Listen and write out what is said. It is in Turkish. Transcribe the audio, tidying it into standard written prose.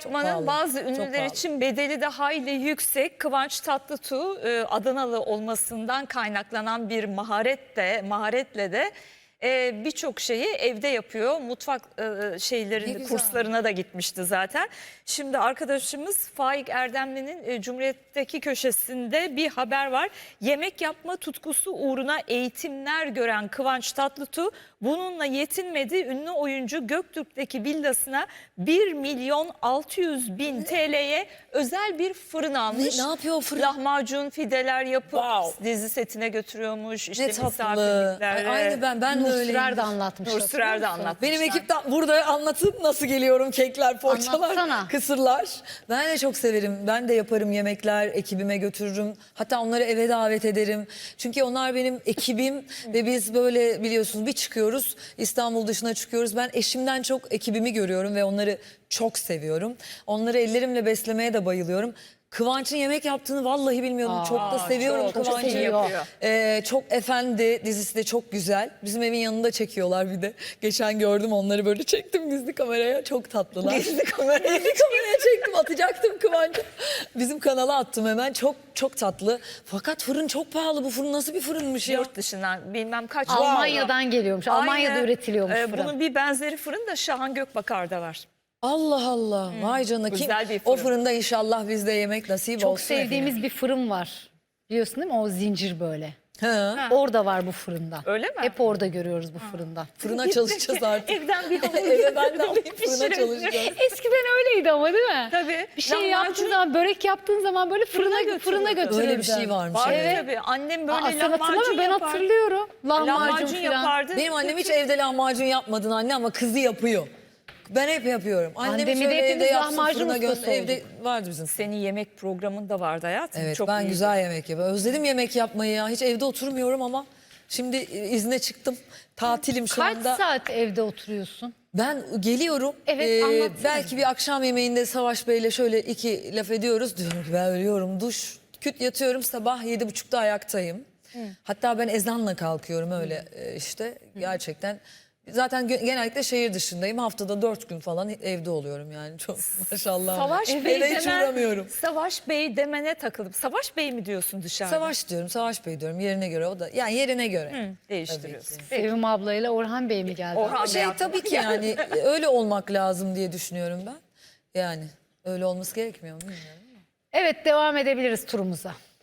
yapmanın pahalı, bazı çok ünlüler pahalı. için bedeli de hayli yüksek. Kıvanç Tatlıtuğ Adanalı olmasından kaynaklanan bir maharetle de birçok şeyi evde yapıyor. Mutfak Ne şeylerini, güzel. kurslarına da gitmişti zaten. Şimdi arkadaşımız Faik Erdemli'nin Cumhuriyet'teki köşesinde bir haber var. Yemek yapma tutkusu uğruna eğitimler gören Kıvanç Tatlıtuğ bununla yetinmedi. Ünlü oyuncu Göktürk'teki villasına 1.600.000 TL'ye özel bir fırın almış. Ne yapıyor o fırın? Lahmacun, fideler yapıp Wow. dizi setine götürüyormuş. İşte Ne tatlı. misafirliklere. Aynı ben de Nur öyleyim. Sürer de anlatmış. Nur Sürer de anlatmışlar. Benim ekipten burada anlatıp nasıl geliyorum, kekler, poğaçalar, Anlatsana. kısırlar. Ben de çok severim. Ben de yaparım yemekler, ekibime götürürüm. Hatta onları eve davet ederim. Çünkü onlar benim ekibim ve biz böyle biliyorsunuz bir çıkıyoruz. İstanbul dışına çıkıyoruz. Ben eşimden çok ekibimi görüyorum ve onları çok seviyorum. Onları ellerimle beslemeye de bayılıyorum. Kıvanç'ın yemek yaptığını vallahi bilmiyordum. Çok da seviyorum çok Kıvanç'ı. iyi yapıyor. Çok efendi, dizisi de çok güzel. Bizim evin yanında çekiyorlar bir de. Geçen gördüm onları, böyle çektim gizli kameraya. Çok tatlılar. Gizli kameraya çektim, atacaktım Kıvanç'ı. Bizim kanala attım hemen. Çok çok tatlı. Fakat fırın çok pahalı. Bu fırın nasıl bir fırınmış ya? Yurt dışından bilmem kaç. Almanya'dan geliyormuş. Almanya'da Aynı, üretiliyormuş fırın. Bunun bir benzeri fırın da Şahan Gökbakar'da var. Allah Allah. Vay canına. Güzel bir O fırın. fırında inşallah bizde yemek nasip Çok olsun. sevdiğimiz bir fırın var. Biliyorsun değil mi? O zincir böyle. Ha. Orada var bu fırında. Öyle mi? Hep orada görüyoruz bu fırında. Fırına çalışacağız artık. Evden bir hamur Eve ben de alayım, getirip fırına pişireceğiz. çalışacağız. Eskiden öyleydi ama değil mi? Tabii. Bir şey Lahmacun- yaptığın zaman, börek yaptığın zaman böyle fırına götürürdü. götürürdü. Öyle bir şey varmış. Var evet. tabii. Annem böyle Aa, sen hatırlama, lahmacun ben yapar. hatırlıyorum. Lahmacun falan. yapardı. Benim annem hiç evde lahmacun yapmadın anne, ama kızı yapıyor. Ben hep yapıyorum. Annem Annemi hiç de öyle evde hepimiz yapsın, lahmacun fırına ustası gönder. Evde olduk. vardı bizim. Senin yemek programın da vardı hayatım. Evet, Çok ben iyiydi. güzel yemek yapıyorum. Özledim yemek yapmayı ya. Hiç evde oturmuyorum ama şimdi izne çıktım. Tatilim şu Kaç anda. saat evde oturuyorsun? Ben geliyorum. Evet, anlatsana. Belki bir akşam yemeğinde Savaş Bey'le şöyle iki laf ediyoruz. Diyorum ki ben ölüyorum. Duş, küt yatıyorum, sabah 7.30'da ayaktayım. Hatta ben ezanla kalkıyorum öyle işte. Gerçekten. Zaten genellikle şehir dışındayım. Haftada 4 gün falan evde oluyorum yani. Çok maşallah. Savaş Bey Eve hiç uğramıyorum. Savaş Bey demene takılıp Savaş Bey mi diyorsun dışarıda? Savaş diyorum, Savaş Bey diyorum. Yerine göre o da. Yani yerine göre. Değiştiriyorsun. Sevim ablayla Orhan Bey mi geldi? Orhan Şey Bey tabii ki yani öyle olmak lazım diye düşünüyorum ben. Yani öyle olması gerekmiyor mu bilmiyorum. Evet, devam edebiliriz turumuza.